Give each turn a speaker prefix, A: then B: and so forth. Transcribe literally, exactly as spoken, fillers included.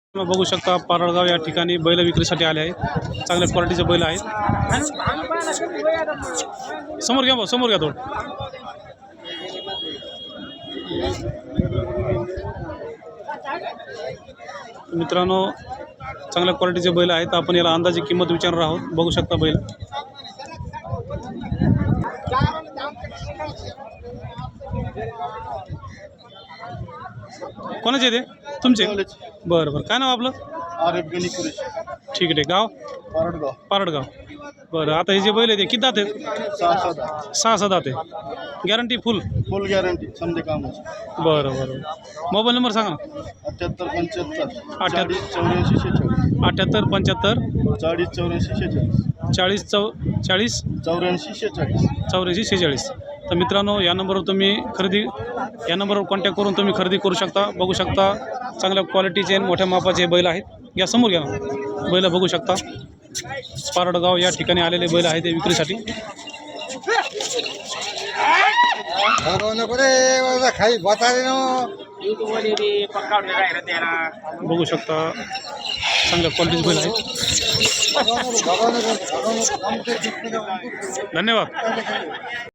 A: बघू शकता पारळगाव या ठिकाणी बैल विक्रीसाठी आले आहेत। चांगल्या क्वालिटीचे बैल आहेत। समोर घ्या भाऊ, समोर घ्या थोडं। मित्रांनो चांगल्या क्वालिटीचे बैल आहेत। आपण याला अंदाजे किंमत विचारणार आहोत। बघू शकता बैल कोणाचे ते तुमचे? बरं बरं, काय नाव आपलं?
B: आरिफ गणी कुरेश।
A: ठीक आहे, गाव
B: पारडगाव।
A: पारडगाव। बरं, आता हे जे बैल आहे ते किती दात आहेत?
B: सहा सहा
A: सहा सहा दात आहे। गॅरंटी फुल?
B: फुल गॅरंटी समजे कामाची।
A: बरं बरं, मोबाईल नंबर सांगा ना।
B: अठ्ठ्याहत्तर पंच्याहत्तर
A: अठ्ठ्याहत्तर
B: चौऱ्याऐंशी शेहेचाळीस
A: अठ्ठ्याहत्तर पंच्याहत्तर
B: चाळीस चौऱ्याऐंशी शेहेचाळीस
A: चाळीस चौ चाळीस
B: चौऱ्याऐंशी शेहेचाळीस
A: चौऱ्याऐंशी शेहेचाळीस। तर मित्रांनो या नंबरवर तुम्ही खरेदी या नंबरवर कॉन्टॅक्ट करून तुम्ही खरेदी करू शकता। बघू शकता चांगल्या क्वालिटीचे मोठ्या मापाचे बैल आहेत। या समोर घ्या ना, बैल बघू शकता पारडगाव या ठिकाणी आलेले बैल आहेत ते विक्रीसाठी। बघू शकता चांगल्या क्वालिटीचे बैल आहेत। धन्यवाद।